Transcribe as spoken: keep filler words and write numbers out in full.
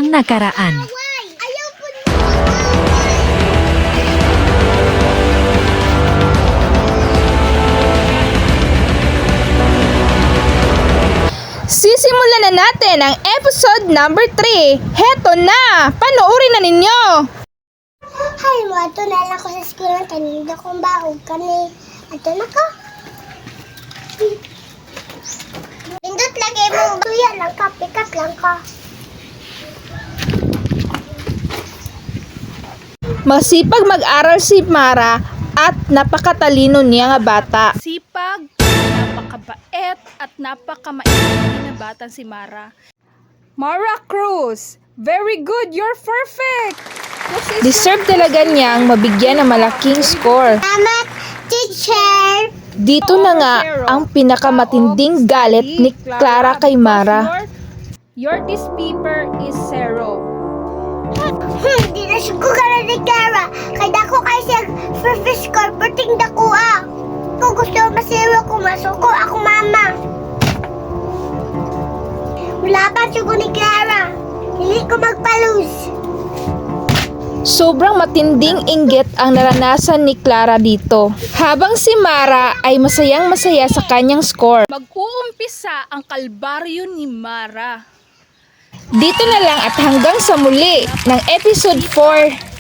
ang nakaraan. Ayaw po Sisimulan na natin ang episode number three. Heto na! Panoorin na ninyo! Hay mo, ato na lang ko sa school ng tanindo kong baog kani. Ato na ko. Pindot lagi mo. Tuya lang ka, pikat lang ka. Masipag mag-aral si Mara at napakatalino niya nga bata. Sipag, napakabait at napakamainit na bata si Mara. Mara Cruz, very good, you're perfect! Deserve talaga niyang mabigyan ng malaking score. Salamat, teacher. Dito na nga ang pinakamatinding galit ni Clara kay Mara. Your, your this paper is zero. Hmm, di na siya ko ka ni Clara. Kaya dako kayo siya first score, perting dako ah. Kung gusto masiro ko, masuko ako mama. Wala pa siya ko ni Clara. Hindi ko magpalus. Sobrang matinding inggit ang naranasan ni Clara dito. Habang si Mara ay masayang masaya sa kanyang score. Mag-uumpisa ang kalbaryo ni Mara. Dito na lang at hanggang sa muli ng episode four